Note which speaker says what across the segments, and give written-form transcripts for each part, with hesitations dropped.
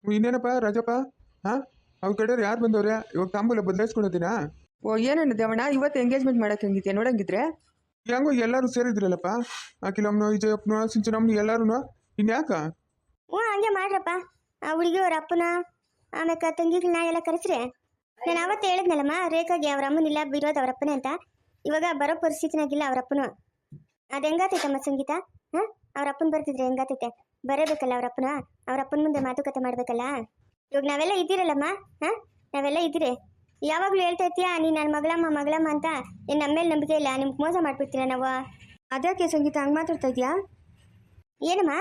Speaker 1: ಇನ್ನೇನಪ್ಪ ರಾಜಪ್ಪ? ಹಾಂ, ಅವ್ರ ಕಡೆಯವ್ರು ಯಾರು ಬಂದವ್ರೆ? ಇವಾಗ ತಾಂಬೂಲ ಬದಲಾಯಿಸ್ಕೊಳೋದಿನಾ?
Speaker 2: ಓ ಏನೇನು ದೇವಣ್ಣ ಇವತ್ತು ಎಂಗೇಜ್ಮೆಂಟ್ ಮಾಡಕ್ಕೆ ಹಂಗಿದ್ಯಾ ನೋಡಂಗಿದ್ರೆ?
Speaker 1: ಹೆಂಗೋ ಎಲ್ಲರೂ ಸೇರಿದ್ರಲ್ಲಪ್ಪ, ಅಖಿಲಮ್ಮನು ವಿಜಯಪ್ಪನು ಸಿಂಚನಮ್ಮನು ಎಲ್ಲರೂ. ಇನ್ಯಾಕ?
Speaker 3: ಹಂಗೆ ಮಾಡ್ರಪ್ಪ. ಆ ಹುಡುಗಿ ಅವ್ರ ಅಪ್ಪನ ಆಮೇಲೆ ತಂಗಿಗಳನ್ನ ಎಲ್ಲ ಕರೆಸ್ರಿ. ನಾನು ಅವತ್ತು ಹೇಳಿದ್ನಲ್ಲಮ್ಮ ರೇಖಾಗೆ ಅವ್ರ ಅಮ್ಮನಿಲ್ಲ, ಬಿರೋದು ಅವ್ರ ಅಪ್ಪನೇ ಅಂತ. ಇವಾಗ ಬರೋ ಪರಿಸ್ಥಿತಿನಾಗಿಲ್ಲ ಅವ್ರ ಅಪ್ಪನು. ಅದು ಹೆಂಗಾತೈತಮ್ಮ ಸಂಗೀತ? ಹಾಂ, ಅವ್ರ ಅಪ್ಪನ ಬರ್ತಿದ್ರೆ ಹೆಂಗಾತೈತೆ? ಬರಬೇಕಲ್ಲ ಅವ್ರ ಅಪ್ಪನ. ಅವ್ರ ಅಪ್ಪನ ಮುಂದೆ ಮಾತುಕತೆ ಮಾಡ್ಬೇಕಲ್ಲ. ಇವಾಗ ನಾವೆಲ್ಲ ಇದ್ದೀರಲ್ಲಮ್ಮ. ಹಾಂ, ನಾವೆಲ್ಲ ಇದ್ದೀರಿ. ಯಾವಾಗಲೂ ಹೇಳ್ತಾ ಇರ್ತೀಯಾ ನೀನು ನನ್ನ ಮಗಳಮ್ಮ ಅಂತ. ಏನು ನಮ್ಮ ಮೇಲೆ ನಂಬಿಕೆ ಇಲ್ಲ? ನಿಮ್ಗೆ ಮೋಸ ಮಾಡ್ಬಿಡ್ತೀರ ನಾವು?
Speaker 2: ಅದ್ಯಾಕೆ ಸಂಗೀತ ಹಂಗೆ ಮಾತಾಡ್ತಾ ಇದೆಯಾ?
Speaker 3: ಏನಮ್ಮ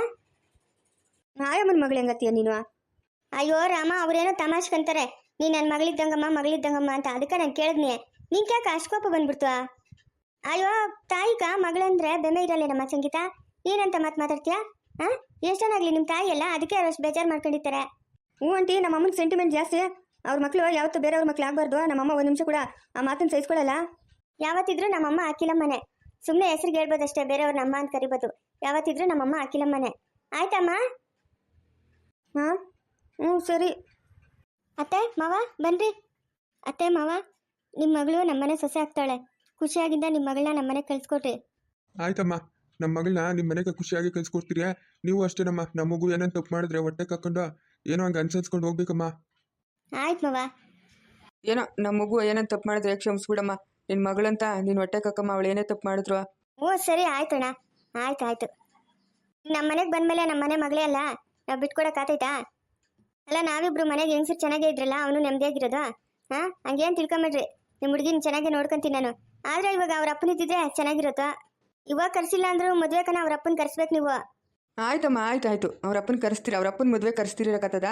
Speaker 2: ಆಯಮ್ಮನ ಮಗಳು ಹೆಂಗತ್ತೀಯ ನೀನು?
Speaker 3: ಅಯ್ಯೋ ರಾಮ, ಅವ್ರೇನೋ ತಮಾಷ್ಕಂತಾರೆ ನೀನು ನನ್ನ ಮಗಳಿದ್ದಂಗಮ್ಮ ಅಂತ. ಅದಕ್ಕೆ ನಾನು ಕೇಳಿದ್ನಿ. ನಿಂಗೆ ಯಾಕೆ ಅಷ್ಟಕೋಪ ಬಂದ್ಬಿಡ್ತು? ಅಯ್ಯೋ ತಾಯಿಗ ಮಗಳಂದ್ರೆ ಬೆಮೆ ಇರಲ್ಲೇನಮ್ಮ ಸಂಗೀತ? ಏನಂತ ಮಾತಾಡ್ತೀಯಾ? ಹಾಂ, ಎಷ್ಟೊನಾಗಲಿ ನಿಮ್ಮ ತಾಯಿ ಅಲ್ಲ, ಅದಕ್ಕೆ ಅವ್ರು ಅಷ್ಟು ಬೇಜಾರು ಮಾಡ್ಕೊಂಡಿರ್ತಾರೆ.
Speaker 2: ಹ್ಞೂ ಆಂಟಿ, ನಮ್ಮ ಅಮ್ಮನ ಸೆಂಟಿಮೆಂಟ್ ಜಾಸ್ತಿ. ಅವ್ರ ಮಕ್ಕಳು ಯಾವತ್ತೂ ಬೇರೆಯವ್ರ ಮಕ್ಳು ಆಗಬಾರ್ದು. ನಮ್ಮಮ್ಮ ಒಂದು ನಿಮಿಷ ಕೂಡ ಆ ಮಾತನ್ನು ಸಹಿಸ್ಕೊಳ್ಳಲ್ಲ.
Speaker 3: ಯಾವತ್ತಿದ್ರು ನಮ್ಮಮ್ಮ ಅಖಿಲಮ್ಮನೆ. ಸುಮ್ಮನೆ ಹೆಸ್ರಿಗೆ ಹೇಳ್ಬೋದಷ್ಟೇ, ಬೇರೆಯವ್ರ ನಮ್ಮ ಅಂತ ಕರಿಬೋದು. ಯಾವತ್ತಿದ್ರು ನಮ್ಮಮ್ಮ ಅಖಿಲಮ್ಮನೆ. ಆಯ್ತಮ್ಮ?
Speaker 2: ಹಾಂ, ಹ್ಞೂ ಸರಿ.
Speaker 3: ಅತ್ತೆ ಮಾವ ಬನ್ರಿ. ಅತ್ತೆ ಮಾವ, ನಿಮ್ಮ ಮಗಳು ನಮ್ಮನೆ ಸೊಸೆ ಆಗ್ತಾಳೆ. ಖುಷಿಯಾಗಿಂದ ನಿಮ್ಮ ಮಗಳನ್ನ ನಮ್ಮನೆ ಕಳ್ಸ್ಕೊಟ್ರಿ.
Speaker 1: ಆಯ್ತಮ್ಮ, ನಮ್ಮ ಮಗಳನ್ನ ನಿಮ್ಮ ಮನೆಗೆ ಖುಷಿಯಾಗಿ ಕಳ್ಸಿಕೊಡ್ತೀರಿ. ನೀವು ಅಷ್ಟೇನಮ್ಮ, ನಮ್ಮ ಮಗು ಏನೇನು ತಪ್ಪು ಮಾಡಿದ್ರೆ ಹೊಟ್ಟೆ ಕಕ್ಕೊಂಡು ಏನೋ ಹಂಗೆ ಅನ್ಸರ್ಸ್ಕೊಂಡು ಹೋಗ್ಬೇಕಮ್ಮ.
Speaker 3: ಆಯ್ತು ಮಾವ.
Speaker 2: ಏನೋ ನಮ್ಮ ಮಗು ಏನಂತ ತಪ್ಪು ಮಾಡಿದ್ರೆ ಕ್ಷಮಿಸ್ಬಿಡಮ್ಮ. ನಿನ್ನ ಮಗಳಂತ ನೀನು ಹೊಟ್ಟೆ ಕಕ್ಕಮ್ಮ, ಅವಳು ಏನೇ ತಪ್ಪು ಮಾಡಿದ್ರು.
Speaker 3: ಓ ಸರಿ ಆಯ್ತಣ್ಣ, ಆಯ್ತು. ನಮ್ಮ ಮನೆಗೆ ಬಂದಮೇಲೆ ನಮ್ಮ ಮನೆ ಮಗಳೇ ಅಲ್ಲ, ನಾವು ಬಿಟ್ಕೊಡಕ್ಕಾತೈತಾ? ಅಲ್ಲ, ನಾವಿಬ್ರು ಮನೆಗೆ ಹೆಂಗಸರು ಚೆನ್ನಾಗೇ ಇದ್ರಲ್ಲ, ಅವನು ನೆಮ್ಮದಿಯಾಗಿರೋದು. ಹಾಂ, ಹಂಗೇನು ತಿಳ್ಕೊಂಬಿಡ್ರಿ. ನಿಮ್ಮ ಹುಡುಗಿನ ಚೆನ್ನಾಗಿ ನೋಡ್ಕೊಂತೀನಿ ನಾನು. ಆದರೆ ಇವಾಗ ಅವ್ರ ಅಪ್ಪನಿದ್ದಿದ್ರೆ ಚೆನ್ನಾಗಿರುತ್ತೋ? ಇವಾಗ ಕರ್ಸಿಲ್ಲ ಅಂದ್ರೂ ಮದುವೆ ಕನ ಅವ್ರ ಅಪ್ಪನ ಕರ್ಸ್ಬೇಕು ನೀವು.
Speaker 2: ಆಯ್ತಮ್ಮ, ಆಯ್ತು. ಅವ್ರ ಅಪ್ಪನ ಕರೆಸ್ತೀರಿ, ಅವ್ರ ಅಪ್ಪನ ಮದುವೆ ಕರೆಸ್ತಿರಕತ್ತದ?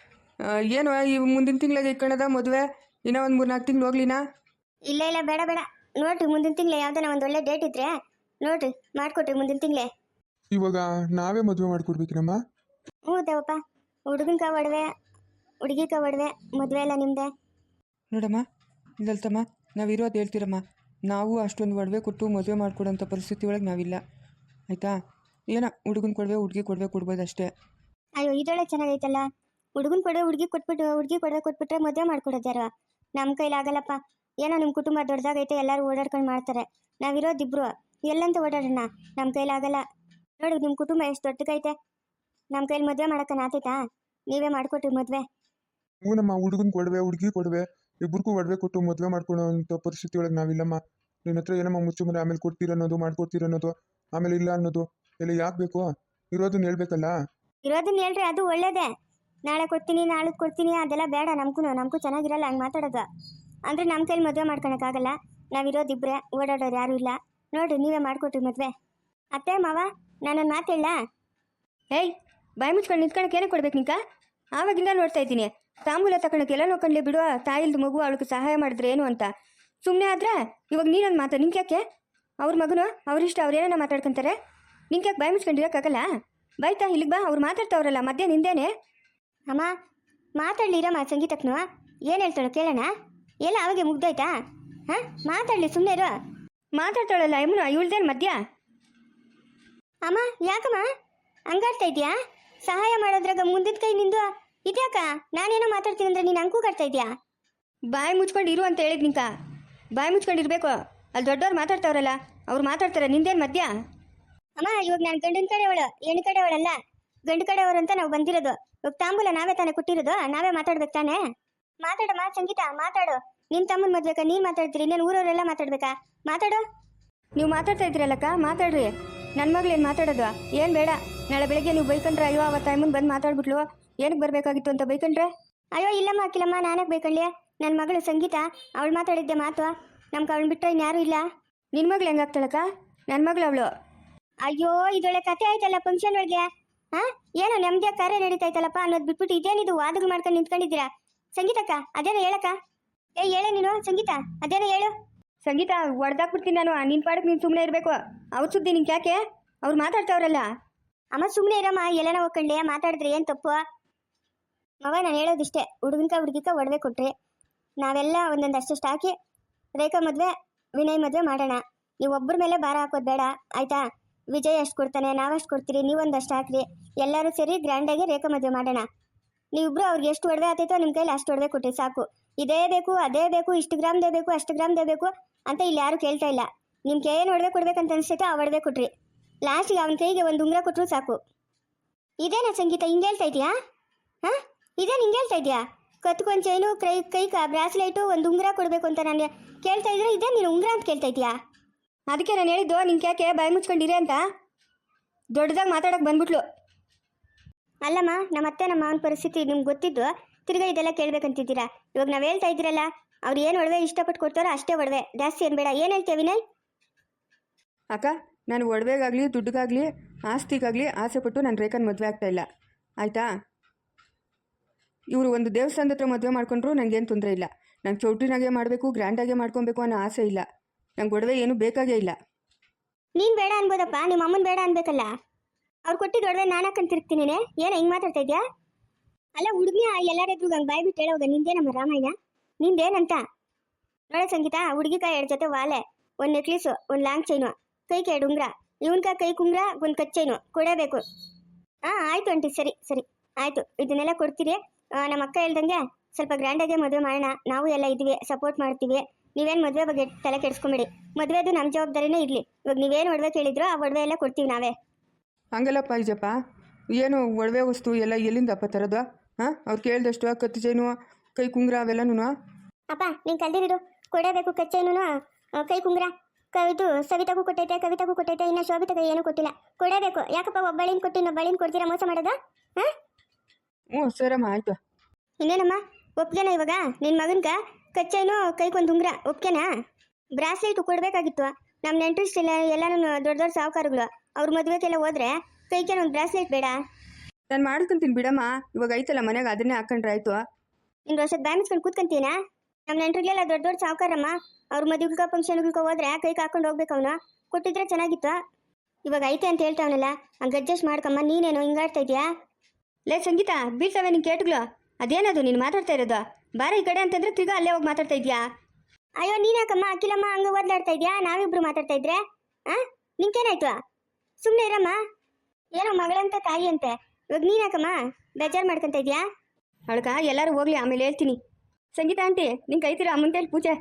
Speaker 2: ಏನು ಈ ಮುಂದಿನ ತಿಂಗಳಿಗೆ ಇಟ್ಕೊಳ್ಳೋದ ಮದುವೆ? ಇನ್ನೂ ಒಂದು 3-4 ತಿಂಗಳು ಹೋಗ್ಲಿನಾ?
Speaker 3: ಇಲ್ಲ ಬೇಡ ನೋಡ್ರಿ, ಮುಂದಿನ ತಿಂಗಳೇ ಯಾವ್ದಾನ ಒಂದು ಒಳ್ಳೆ ಡೇಟ್ ಇದ್ರೆ ನೋಡ್ರಿ ಮಾಡ್ಕೊಟ್ರಿ ಮುಂದಿನ ತಿಂಗಳೇ.
Speaker 1: ಇವಾಗ ನಾವೇ ಮದುವೆ ಮಾಡ್ಕೊಡ್ಬೇಕಿನಮ್ಮ?
Speaker 3: ಹ್ಞೂ ದೇವಪ್ಪ, ಹುಡುಗನ್ಕ ಒಡವೆ, ಹುಡುಗಿಕ ಒಡವೆ, ಮದುವೆ ಎಲ್ಲ ನಿಮ್ದೆ.
Speaker 2: ನೋಡಮ್ಮ ಲಲಿತಮ್ಮ, ನಾವಿರೋದು ಹೇಳ್ತೀರಮ್ಮ. ನಾವು ಅಷ್ಟೊಂದು ಒಡವೆ ಕೊಟ್ಟು ಮದುವೆ ಮಾಡ್ಕೊಡೋಂಥ ಪರಿಸ್ಥಿತಿ ಒಳಗೆ ನಾವಿಲ್ಲ, ಆಯಿತಾ? ಏನೋ ಹುಡುಗನ ಕೊಡವೆ ಹುಡುಗಿ ಕೊಡ್ಬೋದು ಅಷ್ಟೇ.
Speaker 3: ಅಯ್ಯೋ ಇದೊಳ್ಳೆ ಚೆನ್ನಾಗೈತಲ್ಲ. ಹುಡುಗನ ಕೊಡವೆ ಹುಡುಗಿ ಕೊಡವೆ ಕೊಟ್ಬಿಟ್ರೆ ಮದುವೆ ಮಾಡ್ಕೊಡೋದು ಯಾರು? ನಮ್ಮ ಕೈಲಾಗಲ್ಲಪ್ಪ. ಏನೋ ನಿಮ್ಮ ಕುಟುಂಬ ದೊಡ್ಡದಾಗೈತೆ, ಎಲ್ಲರೂ ಓಡಾಡ್ಕೊಂಡು ಮಾಡ್ತಾರೆ. ನಾವಿರೋದಿಬ್ರು ಎಲ್ಲಂತ ಓಡಾಡೋಣ, ನಮ್ಮ ಕೈಲಾಗಲ್ಲ. ನೋಡಿ ನಿಮ್ಮ ಕುಟುಂಬ ಎಷ್ಟು ದೊಡ್ಡದೈತೆ, ನಮ್ಮ ಕೈಲಿ ಮದುವೆ ಮಾಡೋಕ್ಕನ ಆತೈತಾ? ನೀವೇ ಮಾಡಿಕೊಟ್ರಿ ಮದುವೆ.
Speaker 1: ಹ್ಞೂ ನಮ್ಮ ಹುಡುಗನ ಕೊಡವೆ ಹುಡುಗಿ ಕೊಡವೆ ಇಬ್ಬರಿಗೂ ಒಡವೆ ಕೊಟ್ಟು ಮದುವೆ ಮಾಡ್ಕೊಳ್ಳೋ ಅಂಥ ಪರಿಸ್ಥಿತಿ ಒಳಗೆ ನಾವಿಲ್ಲಮ್ಮ. ನಿನ್ನ ಹತ್ರ ಏನಮ್ಮ ಮುಚ್ಚುಮರೆ ಆಮೇಲೆ ಕೊಡ್ತೀರನ್ನೋದು, ಮಾಡ್ಕೊಡ್ತೀರನ್ನೋದು, ಆಮೇಲೆ ಇಲ್ಲ ಅನ್ನೋದು ಎಲ್ಲ ಯಾಕೆ ಬೇಕು? ಇರೋದನ್ನ ಹೇಳ್ಬೇಕಲ್ಲ.
Speaker 3: ಇರೋದನ್ನ ಹೇಳ್ರಿ, ಅದು ಒಳ್ಳೇದೇ. ನಾಳೆ ಕೊಡ್ತೀನಿ, ನಾಳೆ ಕೊಡ್ತೀನಿ ಅದೆಲ್ಲ ಬೇಡ. ನಮಗೂ ಚೆನ್ನಾಗಿರಲ್ಲ ಹಂಗೆ ಮಾತಾಡೋದು. ಅಂದರೆ ನಮ್ಮ ಕೈಲಿ ಮದುವೆ ಮಾಡ್ಕೊಳಕ್ಕಾಗಲ್ಲ. ನಾವಿರೋದಿಬ್ಬರೇ, ಓಡಾಡೋರು ಯಾರೂ ಇಲ್ಲ. ನೋಡಿರಿ ನೀವೇ ಮಾಡಿಕೊಟ್ರಿ ಮದುವೆ. ಅತ್ತೆ ಮಾವ, ನಾನೊಂದು ಮಾತು ಹೇಳ?
Speaker 2: ಏಯ್, ಬಾಯಿ ಮುಚ್ಕೊಂಡು ನಿಂತ್ಕೊಳಕ್ಕೆ ಏನೇ ಕೊಡ್ಬೇಕು ನಿಂಕ? ಆವಾಗಿಂದ ನೋಡ್ತಾ ಇದ್ದೀನಿ. ತಾಂಬೂಲ ತಗೊಳಕ್ಕೆ ಎಲ್ಲ ನೋಡ್ಕೊಂಡ್ಲಿ ಬಿಡುವ. ತಾಯಿಲ್ದು ಮಗು ಅವಳಿಗೆ ಸಹಾಯ ಮಾಡಿದ್ರೆ ಏನು ಅಂತ ಸುಮ್ಮನೆ ಆದ್ರೆ ಇವಾಗ ನೀನೊಂದು ಮಾತು. ನಿಂಗೆ ಯಾಕೆ? ಅವ್ರ ಮಗನು ಅವ್ರಿಷ್ಟ, ಅವ್ರೇನ ಮಾತಾಡ್ಕೊಂತಾರೆ. ನಿಂಗೆ ಯಾಕೆ ಬಾಯಿ ಮುಚ್ಕೊಂಡಿರೋಕ್ಕಾಗಲ್ಲ? ಬಾಯ್ತಾ ಇಲ್ಲಿಗೆ ಬಾ, ಅವ್ರು ಮಾತಾಡ್ತಾವ್ರಲ್ಲ ಮಧ್ಯ ನಿಂದೇನೆ.
Speaker 3: ಅಮ್ಮ ಮಾತಾಡ್ಲಿರಮ್ಮ, ಸಂಗೀತಕ್ಕನು ಏನು ಹೇಳ್ತಾಳೋ ಕೇಳೋಣ. ಎಲ್ಲ ಅವಾಗೆ ಮುಗ್ದೋಯ್ತಾ? ಹಾಂ, ಮಾತಾಡಲಿ, ಸುಮ್ಮನೆ ಇರು.
Speaker 2: ಮಾತಾಡ್ತಾಳಲ್ಲ ಯಮುನ, ಇವಳ್ದೇನು ಮಧ್ಯ?
Speaker 3: ಅಮ್ಮ ಯಾಕಮ್ಮ ಹಂಗಾಡ್ತಾ ಇದೆಯಾ? ಸಹಾಯ ಮಾಡೋದ್ರಾಗ ಮುಂದಿನ ಕೈ ನಿಂದು ಇದ್ಯಾಕ? ನಾನೇನೋ ಮಾತಾಡ್ತೀನಿ ಅಂದ್ರೆ ನೀನು ಹಂಗೂ ಕಾಡ್ತಾ ಇದೆಯಾ?
Speaker 2: ಬಾಯಿ ಮುಚ್ಕೊಂಡು ಇರು ಅಂತ ಹೇಳಿದ್ ನಿಂಕ. ಬಾಯಿ ಮುಚ್ಕೊಂಡಿರ್ಬೇಕು. ಅಲ್ಲಿ ದೊಡ್ಡವ್ರು ಮಾತಾಡ್ತಾವ್ರಲ್ಲ, ಅವ್ರು ಮಾತಾಡ್ತಾರೆ, ನಿಂದೇನು ಮಧ್ಯ?
Speaker 3: ಅಮ್ಮ ಇವಾಗ ನಾನು ಗಂಡಿನ ಕಡೆಯವಳು, ಹೆಣ್ಣು ಕಡೆಯವಳಲ್ಲ. ಗಂಡು ಕಡೆಯವರು ಅಂತ ನಾವು ಬಂದಿರೋದು. ಇವಾಗ ತಾಂಬೂಲ ನಾವೇ ತಾನೇ ಕೊಟ್ಟಿರೋದು, ನಾವೇ ಮಾತಾಡ್ಬೇಕು ತಾನೇ? ಮಾತಾಡಮ್ಮ ಸಂಗೀತ, ಮಾತಾಡು. ನಿನ್ನ ತಮ್ಮನ ಮದ್ಬೇಕಾ ನೀನು ಮಾತಾಡ್ತೀರಿ? ಇನ್ನೇನು ಊರವರೆಲ್ಲ ಮಾತಾಡ್ಬೇಕಾ? ಮಾತಾಡು.
Speaker 2: ನೀವು ಮಾತಾಡ್ತಾ ಇದ್ರಲ್ಲಕ್ಕ, ಮಾತಾಡ್ರಿ. ನನ್ನ ಮಗಳೇನು ಮಾತಾಡೋದು? ಏನು ಬೇಡ. ನಾಳೆ ಬೆಳಗ್ಗೆ ನೀವು ಬೈಕೊಂಡ್ರೆ, ಅಯ್ಯೋ ಅವತ್ತು ಟೈಮನ್ನು ಬಂದು ಮಾತಾಡ್ಬಿಟ್ಲು, ಏನಕ್ಕೆ ಬರಬೇಕಾಗಿತ್ತು ಅಂತ ಬೈಕೊಂಡ್ರೆ?
Speaker 3: ಅಯ್ಯೋ ಇಲ್ಲಮ್ಮ ಅಕ್ಕಿಲಮ್ಮ, ನಾನಕ್ಕೆ ಬೇಕಳ್ಳಿ. ನನ್ನ ಮಗಳು ಸಂಗೀತ, ಅವಳು ಮಾತಾಡಿದ್ದೆ ಮಾತು. ನಮ್ಗೆ ಅವಳು ಬಿಟ್ಟರೆ ಇನ್ಯಾರೂ ಇಲ್ಲ.
Speaker 2: ನಿನ್ನ ಮಗಳು ಹೆಂಗಾಗ್ತಾಳಕ್ಕ? ನನ್ನ ಮಗಳು ಅವಳು.
Speaker 3: ಅಯ್ಯೋ ಇದೊಳ್ಳೆ ಕತೆ ಆಯ್ತಲ್ಲ ಫಂಕ್ಷನ್ ಒಳಗೆ. ಹಾಂ, ಏನೋ ನೆಮ್ಮದಿಯಾಗಿ ಕಾರ್ಯ ನಡೀತಾಯ್ತಲ್ಲಪ್ಪ ಅನ್ನೋದು ಬಿಟ್ಬಿಟ್ಟು ಇದೇನಿದು ವಾದಗಳು ಮಾಡ್ಕೊಂಡು ನಿಂತ್ಕೊಂಡಿದ್ದೀರಾ? ಸಂಗೀತಕ್ಕ ಅದೇನೋ ಹೇಳಕ್ಕ. ಹೇಳೆ ನೀನು ಸಂಗೀತ, ಅದೇನೋ ಹೇಳು.
Speaker 2: ಸಂಗೀತ ಹೊಡೆದಾಕ್ಬಿಡ್ತೀನಿ ನಾನು. ನಿನ್ನ ಪಾಡಕ್ಕೆ ನೀನು ಸುಮ್ಮನೆ ಇರಬೇಕು. ಅವ್ರ ಸುದ್ದಿ ನಿಂಗೆ ಯಾಕೆ? ಅವ್ರು ಮಾತಾಡ್ತಾವ್ರಲ್ಲ.
Speaker 3: ಅಮ್ಮ ಸುಮ್ಮನೆ ಇರಮ್ಮ, ಎಲ್ಲನ ಹೋಗ್ಕೊಂಡೆ ಮಾತಾಡಿದ್ರೆ ಏನು ತಪ್ಪು? ಮಗ ನಾನು ಹೇಳೋದಿಷ್ಟೇ, ಹುಡುಗಿಕ ಒಡವೆ ಕೊಟ್ರಿ. ನಾವೆಲ್ಲ ಒಂದೊಂದು ಅಷ್ಟು ಹಾಕಿ ರೇಖಾ ಮದುವೆ, ವಿನಯ್ ಮದುವೆ ಮಾಡೋಣ. ನೀವು ಒಬ್ಬರ ಮೇಲೆ ಭಾರ ಹಾಕೋದು ಬೇಡ, ಆಯಿತಾ? ವಿಜಯ್ ಅಷ್ಟು ಕೊಡ್ತಾನೆ, ನಾವಷ್ಟು ಕೊಡ್ತೀರಿ, ನೀವೊಂದಷ್ಟು ಹಾಕ್ರಿ. ಎಲ್ಲರೂ ಸೇರಿ ಗ್ರ್ಯಾಂಡಾಗಿ ರೇಖಾ ಮದುವೆ ಮಾಡೋಣ. ನೀವಿಬ್ರು ಅವ್ರಿಗೆ ಎಷ್ಟು ಒಡವೆ ಆತೈತೋ ನಿಮ್ಮ ಕೈಲಿ ಅಷ್ಟು ಒಡವೆ ಕೊಟ್ರಿ ಸಾಕು. ಇದೇ ಬೇಕು ಅದೇ ಬೇಕು, ಇಷ್ಟು ಗ್ರಾಮ್ದೇ ಬೇಕು ಅಷ್ಟು ಗ್ರಾಮ್ದೇ ಬೇಕು ಅಂತ ಇಲ್ಲಿ ಯಾರು ಕೇಳ್ತಾ ಇಲ್ಲ. ನಿಮ್ಗೆ ಏನು ಒಡವೆ ಕೊಡ್ಬೇಕಂತ ಅನಿಸ್ತೈತೋ ಆ ಒಡವೆ ಕೊಟ್ರಿ. ಲಾಸ್ಟಿಗೆ ಅವನ ಕೈಗೆ ಒಂದು ಉಂಗುರ ಕೊಟ್ಟರು ಸಾಕು. ಇದೇನಾ ಸಂಗೀತ ಹಿಂಗೆ ಹೇಳ್ತಾ ಇದೆಯಾ? ಹಾಂ, ಇದೇನು ಹಿಂಗೆ ಹೇಳ್ತಾ ಇದೆಯಾ? ಕತ್ಕೊಂಡ್ ಚೈನು, ಕೈ ಬ್ರಾಸ್ಲೈಟು, ಒಂದು ಉಂಗುರ ಕೊಡಬೇಕು ಅಂತ ನಾನು ಕೇಳ್ತಾ ಇದ್ರೆ ಇದೇ ನೀನು ಉಂಗುರ ಅಂತ ಕೇಳ್ತಾ ಇದೆಯಾ?
Speaker 2: ಅದಕ್ಕೆ ನಾನು ಹೇಳಿದ್ದು ನಿಂಗೆ ಯಾಕೆ ಬಾಯಿ ಮುಚ್ಕೊಂಡಿರಿ ಅಂತ. ದೊಡ್ಡದಾಗಿ ಮಾತಾಡೋಕೆ ಬಂದ್ಬಿಟ್ಲು.
Speaker 3: ಅಲ್ಲಮ್ಮ, ನಮ್ಮ ಅತ್ತೆ ನಮ್ಮ ಮಾವನ ಪರಿಸ್ಥಿತಿ ನಿಮ್ಗೆ ಗೊತ್ತಿದ್ದು ತಿರ್ಗಾ ಇದೆಲ್ಲ ಕೇಳ್ಬೇಕಂತಿದ್ದೀರಾ. ಇವಾಗ ನಾವು ಹೇಳ್ತಾ ಇದ್ದೀರಲ್ಲ, ಅವ್ರು ಏನು ಒಡವೆ ಇಷ್ಟಪಟ್ಟು ಕೊಡ್ತಾರೋ ಅಷ್ಟೇ ಒಡವೆ, ಜಾಸ್ತಿ ಏನು ಬೇಡ. ಏನು ಹೇಳ್ತೀಯ ವಿನಯ್?
Speaker 4: ಅಕ್ಕ, ನಾನು ಒಡವೆಗಾಗಲಿ ದುಡ್ಡಿಗಾಗಲಿ ಆಸ್ತಿಗಾಗಲಿ ಆಸೆಪಟ್ಟು ನಾನು ರೇಖಾನ ಮದುವೆ ಆಗ್ತಾಯಿಲ್ಲ, ಆಯಿತಾ? ಇವರು ಒಂದು ದೇವಸ್ಥಾನದ ಹತ್ರ ಮದುವೆ ಮಾಡ್ಕೊಂಡ್ರು ನನಗೇನು ತೊಂದರೆ ಇಲ್ಲ. ನಂಗೆ ಚೌಟ್ರಿನಾಗೆ ಮಾಡಬೇಕು, ಗ್ರ್ಯಾಂಡಾಗೆ ಮಾಡ್ಕೊಬೇಕು ಅನ್ನೋ ಆಸೆ ಇಲ್ಲ. ನಂಗೆ ಒಡವೆ ಏನೂ ಬೇಕಾಗೇ ಇಲ್ಲ.
Speaker 3: ನೀನು ಬೇಡ ಅನ್ಬೋದಪ್ಪ, ನಿಮ್ಮ ಅಮ್ಮನ ಬೇಡ ಅನ್ಬೇಕಲ್ಲ. ಅವ್ರು ಕೊಟ್ಟಿದ್ದು ಒಡವೆ ನಾನು ಹಾಕೊಂಡು ತಿರುಗ್ತೀನಿ. ಏನು ಹಿಂಗೆ ಮಾತಾಡ್ತಾ ಇದೆಯಾ? ಅಲ್ಲ ಹುಡುಗಿ, ಎಲ್ಲಾರೆದ್ರು ಹಂಗೆ ಬಾಯ್ ಬಿಟ್ಟು ಹೇಳೋಗ ನಿಂದೇನಮ್ಮ ರಾಮಾಯಣ? ನಿಂದೇನಂತ ನೋಡ ಸಂಗೀತ. ಹುಡುಗಿಕಾಯಿ 2 ಜೊತೆ ವಾಲೆ, ಒಂದು ನೆಕ್ಲೇಸು, ಒಂದು ಲಾಂಗ್ ಚೈನು, ಕೈಗೆ 2 ಉಂಗ್ರ, ಇವನ್ಕ ಕೈ ಕುಂಗ್ರ, ಒಂದು ಕಚ್ಚೈನು ಕೊಡಬೇಕು. ಹಾಂ ಆಯಿತು ಆಂಟಿ, ಸರಿ ಸರಿ ಆಯಿತು. ಇದನ್ನೆಲ್ಲ ಕೊಡ್ತೀರಿ. ನಮ್ಮ ಅಕ್ಕ ಹೇಳ್ದಂಗೆ ಸ್ವಲ್ಪ ಗ್ರ್ಯಾಂಡಾಗೆ ಮದುವೆ ಮಾಡೋಣ. ನಾವು ಎಲ್ಲ ಇದ್ದೀವಿ, ಸಪೋರ್ಟ್ ಮಾಡ್ತೀವಿ. ನೀವೇನು ಮದುವೆ ಬಗ್ಗೆ ತಲೆ ಕೆಡಿಸ್ಕೊಂಬೇಡಿ. ಮದುವೆದು ನಮ್ಮ ಜವಾಬ್ದಾರಿನೇ ಇರಲಿ. ಇವಾಗ ನೀವೇನು ಒಡವೆ ಕೇಳಿದ್ರೋ ಆ ಒಡವೆ ಎಲ್ಲ ಕೊಡ್ತೀವಿ ನಾವೇ.
Speaker 4: ಹಂಗಲ್ಲಪ್ಪ ಈಜಪ್ಪ, ಏನು ಒಡವೆ ವಸ್ತು ಎಲ್ಲ ಎಲ್ಲಿಂದಪ್ಪ ತರೋದು? ಹಾಂ, ಅವ್ರು ಕೇಳಿದಷ್ಟು ಕತ್ತು ಚೈನು, ಕೈ ಕುಂಗ್ರ ಅವೆಲ್ಲನೂ.
Speaker 3: ಅಪ್ಪ ನೀನು ಕಲ್ದಿರಿಡು. ಕೊಡಬೇಕು ಕಚ್ಚೈನು, ಕೈ ಕುಂಗ್ರ. ಇದು ಸವಿತಾಗೂ ಕೊಟ್ಟೈತೆ, ಕವಿತಾಗೂ ಕೊಟ್ಟೈತೆ, ಇನ್ನು ಶೋಭಿತಾಗ ಏನೂ ಕೊಟ್ಟಿಲ್ಲ. ಕೊಡಬೇಕು. ಯಾಕಪ್ಪ ಒಬ್ಬಳಿನ ಕೊಟ್ಟು ಇನ್ನೊಬ್ಬಳಿನ ಕೊಡ್ತೀರಾ? ಮೋಸ ಮಾಡೋದಾ? ಹಾಂ,
Speaker 4: ಹ್ಞೂ ಸರಮ್ಮ, ಆಯಿತು.
Speaker 3: ಇನ್ನೇನಮ್ಮ, ಒಪ್ಗೆನಾ ಇವಾಗ ನಿನ್ನ ಮಗನ್ಗ ಕಚ್ಚೈನು, ಕೈಗೊಂದು ಉಂಗ್ರ ಒಪ್ಗೆನಾ? ಬ್ರಾಸ್ಲೆಟು ಕೊಡಬೇಕಾಗಿತ್ತು. ನಮ್ಮ ನೆಂಟ್ರಿಸ್ಟಿಲ್ಲ ಎಲ್ಲನೂ ದೊಡ್ಡ ದೊಡ್ಡ ಸಾಹುಕಾರಗಳು. ಅವ್ರ ಮದುವೆಗೆಲ್ಲ ಹೋದ್ರೆ ಕೈಗೆ ಒಂದು ಬ್ರಾಸ್ಲೆಟ್ ಬೇಡ?
Speaker 4: ನಾನು ಮಾಡ್ಕೊಂತೀನಿ ಬಿಡಮ್ಮ. ಇವಾಗ ಐತಲ್ಲ ಮನೆಗೆ, ಅದನ್ನೇ ಹಾಕೊಂಡ್ರೆ ಆಯಿತು.
Speaker 3: ಇನ್ನು ವರ್ಷದ ಬಾಯ್ ಮುಚ್ಕೊಂಡು ಕೂತ್ಕೊಂತೀನ? ನಮ್ಮ ನೆಂಟ್ರಿಗೆಲ್ಲ ದೊಡ್ಡ ದೊಡ್ಡ ಸಾಹುಕಾರಮ್ಮ. ಅವ್ರ ಮದುವೆಗ ಫಂಕ್ಷನ್ಗಳ್ಗೆ ಹೋದ್ರೆ ಕೈಗೆ ಹಾಕೊಂಡು ಹೋಗ್ಬೇಕು. ಅವನು ಕೊಟ್ಟಿದ್ರೆ ಚೆನ್ನಾಗಿತ್ತು. ಇವಾಗ ಐತೆ ಅಂತ ಹೇಳ್ತಾವನಲ್ಲ, ಹಂಗೆ ಅಡ್ಜಸ್ಟ್ ಮಾಡ್ಕಮ್ಮ. ನೀನೇನು ಹಿಂಗಾಡ್ತಾ ಇದೆಯಾ?
Speaker 2: ಲೇ ಸಂಗೀತ, ಬೀಳ್ತವೆ ನಿನ್ನ ಕೇಟುಗಳು. ಅದೇನದು ನೀನು ಮಾತಾಡ್ತಾ ಇರೋದು? ಬಾರ ಈ ಕಡೆ ಅಂತಂದ್ರೆ ತಿರ್ಗಾ ಅಲ್ಲೇ ಹೋಗಿ ಮಾತಾಡ್ತಾ ಇದೆಯಾ?
Speaker 3: ಅಯ್ಯೋ ನೀನಾಕಮ್ಮ ಅಖಿಲಮ್ಮ ಹಂಗೆ ಓದ್ಲಾಡ್ತಾ ಇದೆಯಾ? ನಾವಿಬ್ರು ಮಾತಾಡ್ತಾ ಇದ್ರೆ ನಿಂಗೇನಾಯ್ತು? ಸುಮ್ಮನೆ ಇರಮ್ಮ. ಏನೋ ಮಗಳಂತ ತಾಯಿ ಅಂತೆ. ಇವಾಗ ನೀನಾಕಮ್ಮ ಬೇಜಾರು ಮಾಡ್ಕೊಂತ ಇದೆಯಾ?
Speaker 2: ಅವಳಕ ಎಲ್ಲರೂ ಹೋಗ್ಲಿ, ಆಮೇಲೆ ಹೇಳ್ತೀನಿ. ಸಂಗೀತ ಆಂಟಿ, ನಿಂಗೆ ಐತಿರಾ ಮುಂದೆ ಪೂಜೆ?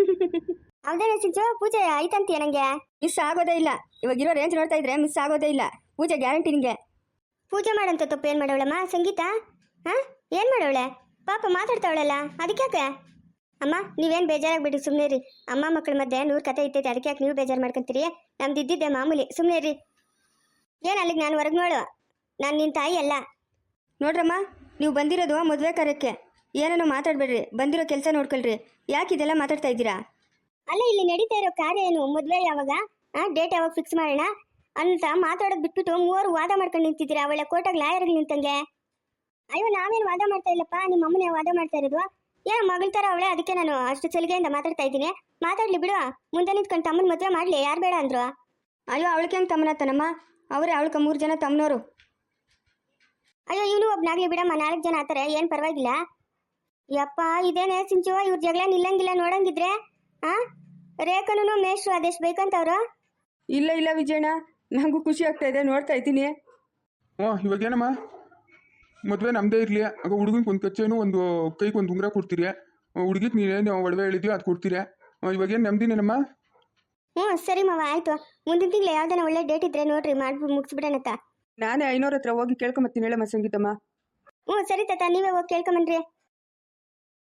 Speaker 3: ಹೌದೇನ ಸಿಂಚು, ಪೂಜೆ ಆಯ್ತಂತೀಯ? ನಂಗೆ
Speaker 2: ಮಿಸ್ ಆಗೋದೇ ಇಲ್ಲ. ಇವಾಗಿರೋ ರೇಂಜ್ ನೋಡ್ತಾ ಇದ್ರೆ ಮಿಸ್ ಆಗೋದೇ ಇಲ್ಲ. ಪೂಜೆ ಗ್ಯಾರಂಟಿ ನಿಂಗೆ.
Speaker 3: ಪೂಜೆ ಮಾಡಂತ ತಪ್ಪು ಏನು ಮಾಡೋಳಮ್ಮ ಸಂಗೀತ? ಹಾಂ, ಏನು ಮಾಡೋಳೆ? ಪಾಪ ಮಾತಾಡ್ತಾವಳಲ್ಲ, ಅದಕ್ಯಾಕೆ? ಅಮ್ಮ ನೀವೇನು ಬೇಜಾರಾಗ್ಬಿಡಿ, ಸುಮ್ಮನೆ ರೀ. ಅಮ್ಮ ಮಕ್ಕಳ ಮಧ್ಯೆ 100 ಕತೆ ಇರ್ತೈತೆ, ಅದಕ್ಕೆ ಯಾಕೆ ನೀವು ಬೇಜಾರು ಮಾಡ್ಕೊಂತೀರಿ? ನಮ್ದು ಇದ್ದಿದ್ದೆ ಮಾಮೂಲಿ, ಸುಮ್ಮನೆ ರೀ. ಏನು ಅಲ್ಲಿಗೆ ನಾನು ಹೊರಗೆ ನೋಡು, ನಾನು ನಿನ್ನ ತಾಯಿ ಅಲ್ಲ.
Speaker 2: ನೋಡ್ರಮ್ಮ, ನೀವು ಬಂದಿರೋದು ಮದುವೆ ಕಾರ್ಯಕ್ಕೆ. ಏನೇನೋ ಮಾತಾಡಬೇಡ್ರಿ, ಬಂದಿರೋ ಕೆಲಸ ನೋಡ್ಕೊಳ್ರಿ. ಯಾಕೆ ಇದೆಲ್ಲ ಮಾತಾಡ್ತಾ ಇದ್ದೀರಾ?
Speaker 3: ಅಲ್ಲ ಇಲ್ಲಿ ನಡೀತಾ ಇರೋ ಕಾರ್ಯ ಏನು? ಮದುವೆ ಯಾವಾಗ, ಡೇಟ್ ಯಾವಾಗ ಫಿಕ್ಸ್ ಮಾಡೋಣ ಅಂತ ಮಾತಾಡೋದು ಬಿಟ್ಬಿಟ್ಟು 3 ವಾದ ಮಾಡ್ಕೊಂಡು ನಿಂತಿದ್ದೀರಾ. ಅವಳ ಕೋರ್ಟಾಗ ಲಾಯರ್ಗೆ ನಿಂತಂಗೆ. ಅಯ್ಯೋ ನಾವೇನು ವಾದ ಮಾಡ್ತಾ ಇಲ್ಲಪ್ಪ, ನಿಮ್ಮ ಅಮ್ಮನೇ ವಾದ ಮಾಡ್ತಾ ಇರೋದು. ಏನೋ ಮಗಳ ಥರ ಅವಳೆ, ಅದಕ್ಕೆ ನಾನು ಅಷ್ಟು ಸಲಿಗೆಯಿಂದ ಮಾತಾಡ್ತಾ ಇದ್ದೀನಿ. ಮಾತಾಡ್ಲಿ ಬಿಡು. ಮುಂದೆ ನಿಂತ್ಕೊಂಡು ತಮ್ಮನ ಮದುವೆ ಮಾಡಲಿ, ಯಾರು ಬೇಡ ಅಂದ್ರು?
Speaker 2: ಅಯ್ಯೋ ಅವಳಿಗೆ ಹೆಂಗೆ ತಮ್ಮನತ್ತನಮ್ಮ? ಅವರೇ ಅವಳಕ್ಕೆ 3 ಜನ ತಮ್ಮನವರು.
Speaker 3: ಅಯ್ಯೋ ಇವನು ಒಬ್ನಾಗ್ಲಿ ಬಿಡಮ್ಮ, 4 ಜನ ಆತಾರೆ, ಏನು ಪರವಾಗಿಲ್ಲ. ಯಪ್ಪ ಇದೇನೇ ಸಿಂಚು, ಇವ್ರ ಜಗಳ ನಿಲ್ಲಂಗಿಲ್ಲ ನೋಡಂಗಿದ್ರೆ. ರೇಖನೂ ಮೇಷ್ಟ್ರು ಅದೆಷ್ಟು ಬೇಕಂತವ್ರು?
Speaker 4: ಇಲ್ಲ ಇಲ್ಲ ವಿಜಯಣ್ಣ, ನನಗೂ ಖುಷಿ ಆಗ್ತಾ ಇದೆ, ನೋಡ್ತಾ ಇದ್ದೀನಿ.
Speaker 1: ಇವಾಗೇನಮ್ಮ, ಮದುವೆ ನಮ್ಮದೇ ಇರಲಿ. ಆಗ ಹುಡುಗನಿಗೆ ಒಂದು ಕಚ್ಚೇನು, ಒಂದು ಕೈಗೆ ಒಂದು ಉಂಗುರ ಕೊಡ್ತೀರಿ. ಹುಡುಗಿಗೆ ನೀನೇನು ಒಡವೆ ಹೇಳಿದ್ಯೋ ಅದು ಕೊಡ್ತೀರಿ. ಇವಾಗೇನು ನೆಮ್ಮದಿನೇನಮ್ಮ?
Speaker 3: ಹ್ಞೂ ಸರಿ ಮಾವ, ಆಯಿತು. ಮುಂದಿನ ತಿಂಗಳು ಯಾವ್ದಾನ ಒಳ್ಳೆ ಡೇಟ್ ಇದ್ರೆ ನೋಡ್ರಿ, ಮಾಡ್ಬಿಟ್ಟು ಮುಗಿಸ್ಬಿಡೋಣತ್ತ.
Speaker 4: ನಾನೇ 500 ಹತ್ರ ಹೋಗಿ ಕೇಳ್ಕೊಂಬತ್ತೀನಿ ಹೇಳಮ್ಮ ಸಂಗೀತಮ್ಮ.
Speaker 3: ಹ್ಞೂ ಸರಿ ತಾತ, ನೀವೇ ಹೋಗಿ ಕೇಳ್ಕೊಂಬನ್ರಿ.